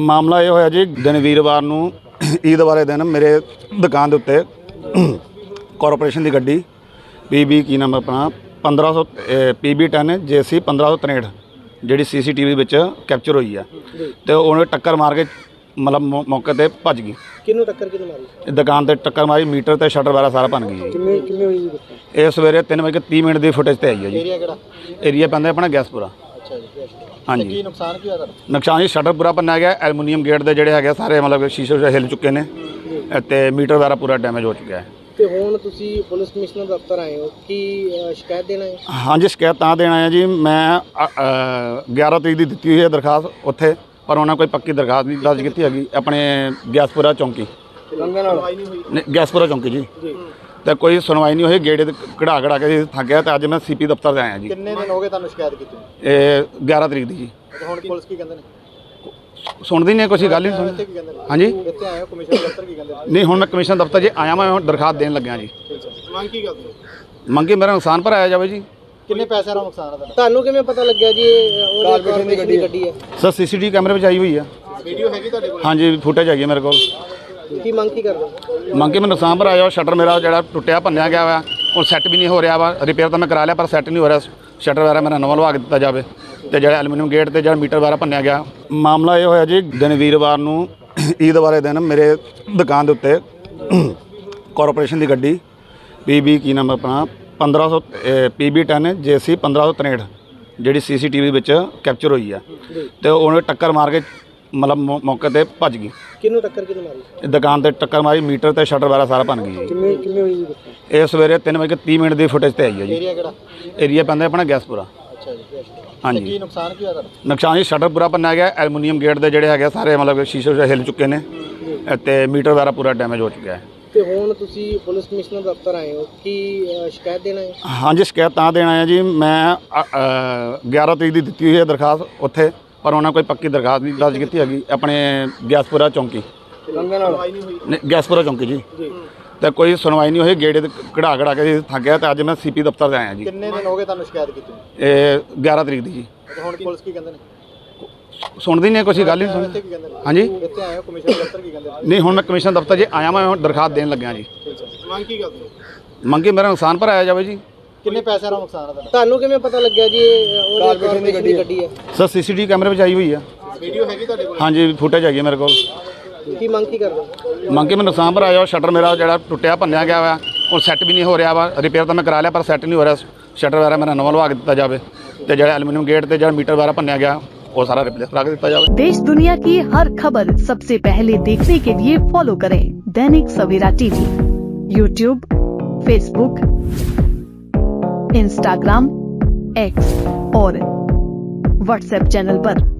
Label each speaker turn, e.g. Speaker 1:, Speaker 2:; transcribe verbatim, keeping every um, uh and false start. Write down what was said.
Speaker 1: ਮਾਮਲਾ ਇਹ ਹੋਇਆ ਜੀ, ਦਿਨ ਵੀਰਵਾਰ ਨੂੰ ਈਦ ਵਾਲੇ ਦਿਨ ਮੇਰੇ ਦੁਕਾਨ ਦੇ ਉੱਤੇ ਕਾਰਪੋਰੇਸ਼ਨ ਦੀ ਗੱਡੀ ਪੀ ਬੀ ਕੀ ਨਾਮ ਆਪਣਾ ਪੰਦਰਾਂ ਸੌ ਪੀ ਬੀ ਟੈਨ ਜੇ ਸੀ ਪੰਦਰਾਂ ਸੌ ਤ੍ਰੇਹਠ ਜਿਹੜੀ ਸੀ ਸੀ ਟੀ ਵੀ ਵਿੱਚ ਕੈਪਚਰ ਹੋਈ ਆ ਤੇ ਉਹਨੇ ਟੱਕਰ ਮਾਰ ਕੇ ਮਤਲਬ ਮੌਕੇ ਤੇ ਭੱਜ ਗਈ।
Speaker 2: ਕਿਹਨੂੰ ਟੱਕਰ ਕਿਹਨੂੰ ਮਾਰੀ?
Speaker 1: ਦੁਕਾਨ ਤੇ ਟੱਕਰ ਮਾਰੀ, ਮੀਟਰ ਤੇ ਸ਼ਟਰ ਵਗੈਰਾ ਸਾਰਾ ਭੰਨ ਗਈ ਜੀ।
Speaker 2: ਕਿੰਨੇ ਕਿੰਨੇ ਹੋਈ ਜੀ?
Speaker 1: ਇਹ ਸਵੇਰੇ ਤਿੰਨ ਵਜੇ ਤੀਹ ਮਿੰਟ ਦੀ ਫੁਟੇਜ ਤੇ ਆਈ ਹੈ ਜੀ।
Speaker 2: ਏਰੀਆ ਕਿਹੜਾ?
Speaker 1: ਏਰੀਆ ਪੈਂਦਾ ਆਪਣਾ ਗੈਸਪੁਰਾ।
Speaker 2: ਅੱਛਾ ਜੀ।
Speaker 1: ਹਾਂਜੀ।
Speaker 2: ਕੀ ਨੁਕਸਾਨ ਕੀ ਹੋਇਆ ਤੁਹਾਡਾ?
Speaker 1: ਨੁਕਸਾਨ ਜੀ ਸ਼ਟਰ ਪੂਰਾ ਭੰਨਿਆ ਗਿਆ, ਐਲੂਮੀਨੀਅਮ ਗੇਟ ਦੇ ਜਿਹੜੇ ਹੈਗੇ ਸਾਰੇ ਮਤਲਬ ਸ਼ੀਸ਼ੇ ਹਿੱਲ ਚੁੱਕੇ ਨੇ ਤੇ ਮੀਟਰ ਵਗੈਰਾ ਪੂਰਾ ਡੈਮੇਜ ਹੋ ਚੁੱਕਿਆ ਹੈ।
Speaker 2: ਤੇ ਹੁਣ ਤੁਸੀਂ ਪੁਲਿਸ ਕਮਿਸ਼ਨਰ ਦਫ਼ਤਰ ਆਏ ਹੋ, ਕੀ ਸ਼ਿਕਾਇਤ ਦੇਣਾ ਹੈ?
Speaker 1: ਹਾਂਜੀ, ਸ਼ਿਕਾਇਤ ਤਾਂ ਦੇਣ ਆਇਆ ਜੀ। ਮੈਂ ਗਿਆਰਾਂ ਤਰੀਕ ਦੀ ਦਿੱਤੀ ਹੋਈ ਹੈ ਦਰਖਾਸਤ ਉੱਥੇ, ਪਰ ਉਹਨਾਂ ਕੋਈ ਪੱਕੀ ਦਰਖਾਸਤ ਨਹੀਂ ਦਰਜ ਕੀਤੀ ਹੈਗੀ। ਆਪਣੇ ਗੈਸਪੁਰਾ ਚੌਂਕੀ ਗੈਸਪੁਰਾ ਚੌਂਕੀ ਜੀ ਤੇ ਕੋਈ ਸੁਣਵਾਈ ਨਹੀਂ ਹੋਈ। ਗੇੜੇ ਤੇ ਕਢਾ ਕਢਾ ਕੇ ਥੱਕ ਗਿਆ ਤੇ ਅੱਜ ਮੈਂ ਸੀ ਪੀ ਦਫ਼ਤਰ 'ਤੇ ਆਇਆ ਜੀ।
Speaker 2: ਕਿੰਨੇ ਦਿਨ ਹੋ ਗਏ ਤੁਹਾਨੂੰ ਸ਼ਿਕਾਇਤ ਕੀਤੀ?
Speaker 1: ਇਹ ਗਿਆਰਾਂ ਤਰੀਕ ਦੀ ਜੀ।
Speaker 2: ਹੁਣ ਪੁਲਿਸ ਕੀ ਕਹਿੰਦੇ ਨੇ?
Speaker 1: ਸੁਣਦੀ ਨਹੀਂ, ਕੁਛ ਗੱਲ ਨਹੀਂ ਸੁਣਦੀ।
Speaker 2: ਕੀ ਕਹਿੰਦੇ ਨੇ?
Speaker 1: ਹਾਂਜੀ,
Speaker 2: ਇੱਥੇ ਆਏ ਹੋ ਕਮਿਸ਼ਨਰ ਦਫ਼ਤਰ, ਕੀ ਕਹਿੰਦੇ ਨੇ?
Speaker 1: ਨਹੀਂ ਹੁਣ ਮੈਂ ਕਮਿਸ਼ਨ ਦਫ਼ਤਰ 'ਚ ਆਇਆ, ਮੈਂ ਹੁਣ ਦਰਖਾਸਤ ਦੇਣ ਲੱਗਿਆ ਜੀ।
Speaker 2: ਮੰਗ ਕੀ ਕਰਦੇ ਹੋ?
Speaker 1: ਮੰਗੀ ਮੇਰਾ ਨੁਕਸਾਨ ਭਰਾਇਆ ਜਾਵੇ ਜੀ।
Speaker 2: ਕਿੰਨੇ ਪੈਸੇ ਦਾ ਨੁਕਸਾਨ ਹੈ ਤੁਹਾਡਾ? ਤੁਹਾਨੂੰ ਕਿਵੇਂ ਪਤਾ ਲੱਗਿਆ ਜੀ ਇਹ ਕਾਰਪੋਰੇਸ਼ਨ ਦੀ ਗੱਡੀ ਹੈ?
Speaker 1: ਸਰ ਸੀ ਸੀ ਟੀ ਵੀ ਕੈਮਰੇ ਵਿੱਚ ਆਈ ਹੋਈ ਆ।
Speaker 2: ਵੀਡੀਓ ਹੈਗੀ ਤੁਹਾਡੇ ਕੋਲ?
Speaker 1: ਹਾਂਜੀ, ਫੁਟੇਜ ਹੈਗੀ ਮੇਰੇ ਕੋਲ।
Speaker 2: ਕੀ ਮੰਗ ਕੀ ਕਰਦੇ ਹੋ?
Speaker 1: ਮੰਗੇ ਮੈਂ ਨੁਕਸਾਨ ਭਰਾਇਆ ਜਾਵੇ। ਸ਼ਟਰ ਮੇਰਾ ਜਿਹੜਾ ਟੁੱਟਿਆ ਭੰਨਿਆ ਗਿਆ ਵਾ, ਉਹ ਸੈੱਟ ਵੀ ਨਹੀਂ ਹੋ ਰਿਹਾ ਵਾ। ਰਿਪੇਅਰ ਤਾਂ ਮੈਂ ਕਰਾ ਲਿਆ ਪਰ ਸੈੱਟ ਨਹੀਂ ਹੋ ਰਿਹਾ। ਸ਼ਟਰ ਵਗੈਰਾ ਮੇਰਾ ਨਵਾਂ ਲਵਾ ਕੇ ਦਿੱਤਾ ਜਾਵੇ ਤੇ ਜਿਹੜਾ ਐਲੂਮੀਨੀਅਮ ਗੇਟ ਤੇ ਜਿਹੜਾ ਮੀਟਰ ਵਗੈਰਾ ਭੰਨਿਆ ਗਿਆ। ਮਾਮਲਾ ਇਹ ਹੋਇਆ ਜੀ, ਦਿਨ ਵੀਰਵਾਰ ਨੂੰ ਈਦ ਵਾਲੇ ਦਿਨ ਮੇਰੇ ਦੁਕਾਨ ਦੇ ਉੱਤੇ ਕਾਰਪੋਰੇਸ਼ਨ ਦੀ ਗੱਡੀ ਪੀ ਬੀ ਕੀ ਨਾਮ ਆਪਣਾ ਪੰਦਰਾਂ ਸੌ ਪੀ ਬੀ ਟੈਨ ਜੇ ਸੀ ਪੰਦਰਾਂ ਸੌ ਤ੍ਰੇਹਠ ਜਿਹੜੀ ਸੀ ਸੀ ਟੀ ਵੀ ਵਿੱਚ ਕੈਪਚਰ ਹੋਈ ਆ ਤੇ ਉਹਨੇ ਟੱਕਰ ਮਾਰ ਕੇ ਮਤਲਬ ਮੌਕੇ ਤੇ ਭੱਜ ਗਈ।
Speaker 2: ਕਿਹਨੂੰ ਟੱਕਰ ਕਿਹਨੂੰ ਮਾਰੀ?
Speaker 1: ਦੁਕਾਨ ਤੇ ਟੱਕਰ ਮਾਰੀ, ਮੀਟਰ ਤੇ ਸ਼ਟਰ ਵਗੈਰਾ ਸਾਰਾ ਭੰਨ ਗਈ ਜੀ।
Speaker 2: ਕਿੰਨੇ ਕਿੰਨੇ ਹੋਈ ਜੀ?
Speaker 1: ਇਹ ਸਵੇਰੇ ਤਿੰਨ ਵਜੇ ਤੀਹ ਮਿੰਟ ਦੀ ਫੁਟੇਜ ਤੇ ਆਈ ਹੈ ਜੀ।
Speaker 2: ਏਰੀਆ ਕਿਹੜਾ?
Speaker 1: ਏਰੀਆ ਪੈਂਦਾ ਆਪਣਾ ਗੈਸਪੁਰਾ।
Speaker 2: ਅੱਛਾ ਜੀ।
Speaker 1: ਹਾਂਜੀ।
Speaker 2: ਕੀ ਨੁਕਸਾਨ ਕੀ ਹੋਇਆ ਤੁਹਾਡਾ?
Speaker 1: ਨੁਕਸਾਨ ਜੀ ਸ਼ਟਰ ਪੂਰਾ ਭੰਨਿਆ ਗਿਆ, ਐਲੂਮੀਨੀਅਮ ਗੇਟ ਦੇ ਜਿਹੜੇ ਹੈਗੇ ਸਾਰੇ ਮਤਲਬ ਸ਼ੀਸ਼ੇ ਹਿੱਲ ਚੁੱਕੇ ਨੇ ਤੇ ਮੀਟਰ ਵਗੈਰਾ ਪੂਰਾ ਡੈਮੇਜ ਹੋ ਚੁੱਕਿਆ ਹੈ।
Speaker 2: ਤੇ ਹੁਣ ਤੁਸੀਂ ਪੁਲਿਸ ਕਮਿਸ਼ਨਰ ਦਫ਼ਤਰ ਆਏ ਹੋ, ਕੀ ਸ਼ਿਕਾਇਤ ਦੇਣਾ ਹੈ?
Speaker 1: ਹਾਂਜੀ, ਸ਼ਿਕਾਇਤ ਤਾਂ ਦੇਣ ਆਇਆ ਜੀ। ਮੈਂ ਗਿਆਰਾਂ ਤਰੀਕ ਦੀ ਦਿੱਤੀ ਹੋਈ ਹੈ ਦਰਖਾਸਤ ਉੱਥੇ, ਪਰ ਉਹਨਾਂ ਕੋਈ ਪੱਕੀ ਦਰਖਾਸਤ ਨਹੀਂ ਦਰਜ ਕੀਤੀ ਹੈਗੀ। ਆਪਣੇ ਗੈਸਪੁਰਾ ਚੌਂਕੀ ਗੈਸਪੁਰਾ ਚੌਂਕੀ ਜੀ ਤੇ ਕੋਈ ਸੁਣਵਾਈ ਨਹੀਂ ਹੋਈ। ਗੇੜੇ ਤੇ ਕਢਾ ਕਢਾ ਕੇ ਥੱਕ ਗਿਆ ਤੇ ਅੱਜ ਮੈਂ ਸੀ ਪੀ ਦਫ਼ਤਰ 'ਤੇ ਆਇਆ ਜੀ।
Speaker 2: ਕਿੰਨੇ ਦਿਨ ਹੋ ਗਏ ਤੁਹਾਨੂੰ ਸ਼ਿਕਾਇਤ ਕੀਤੀ?
Speaker 1: ਇਹ ਗਿਆਰਾਂ ਤਰੀਕ ਦੀ ਜੀ।
Speaker 2: ਹੁਣ ਪੁਲਿਸ ਕੀ ਕਹਿੰਦੇ ਨੇ?
Speaker 1: ਸੁਣਦੀ ਨਹੀਂ, ਕੁਛ ਗੱਲ ਨਹੀਂ ਸੁਣਦੀ।
Speaker 2: ਕੀ ਕਹਿੰਦੇ ਨੇ?
Speaker 1: ਹਾਂਜੀ,
Speaker 2: ਇੱਥੇ ਆਏ ਹੋ ਕਮਿਸ਼ਨਰ ਦਫ਼ਤਰ, ਕੀ ਕਹਿੰਦੇ ਨੇ?
Speaker 1: ਨਹੀਂ ਹੁਣ ਮੈਂ ਕਮਿਸ਼ਨ ਦਫ਼ਤਰ 'ਚ ਆਇਆ, ਮੈਂ ਹੁਣ ਦਰਖਾਸਤ ਦੇਣ ਲੱਗਿਆ ਜੀ।
Speaker 2: ਮੰਗ ਕੀ ਕਰਦੇ ਹੋ?
Speaker 1: ਮੰਗੀ ਮੇਰਾ ਨੁਕਸਾਨ ਭਰਾਇਆ ਜਾਵੇ ਜੀ।
Speaker 2: ਕਿੰਨੇ ਪੈਸੇ ਦਾ ਨੁਕਸਾਨ ਹੈ ਤੁਹਾਡਾ? ਤੁਹਾਨੂੰ ਕਿਵੇਂ ਪਤਾ ਲੱਗਿਆ ਜੀ ਇਹ ਕਾਰਪੋਰੇਸ਼ਨ ਦੀ ਗੱਡੀ ਹੈ?
Speaker 1: ਸਰ ਸੀ ਸੀ ਟੀ ਵੀ ਕੈਮਰੇ ਵਿੱਚ ਆਈ ਹੋਈ ਆ।
Speaker 2: ਵੀਡੀਓ ਹੈਗੀ ਤੁਹਾਡੇ ਕੋਲ?
Speaker 1: ਹਾਂਜੀ, ਫੁਟੇਜ ਹੈਗੀ ਮੇਰੇ ਕੋਲ।
Speaker 2: ਕੀ ਮੰਗ ਕੀ ਕਰਦੇ ਹੋ?
Speaker 1: ਮੰਗੇ ਮੈਂ ਨੁਕਸਾਨ ਭਰਾਇਆ ਜਾਵੇ। ਸ਼ਟਰ ਮੇਰਾ ਜਿਹੜਾ ਟੁੱਟਿਆ ਭੰਨਿਆ ਗਿਆ ਵਾ, ਉਹ ਸੈੱਟ ਵੀ ਨਹੀਂ ਹੋ ਰਿਹਾ ਵਾ। ਰਿਪੇਅਰ ਤਾਂ ਮੈਂ ਕਰਾ ਲਿਆ ਪਰ ਸੈੱਟ ਨਹੀਂ ਹੋ ਰਿਹਾ। ਸ਼ਟਰ ਵਗੈਰਾ ਮੇਰਾ ਨਵਾਂ ਲਵਾ ਕੇ ਦਿੱਤਾ ਜਾਵੇ ਤੇ ਜਿਹੜਾ ਐਲੂਮੀਨੀਅਮ ਗੇਟ ਤੇ ਜਿਹੜਾ ਮੀਟਰ ਵਗੈਰਾ ਭੰਨਿਆ ਗਿਆ वो सारा रिप्लेस करा के दिया जाए।
Speaker 3: देश दुनिया की हर खबर सबसे पहले देखने के लिए फॉलो करें Dainik Savera TV, YouTube, Facebook, Instagram, X और व्हाट्सएप चैनल पर।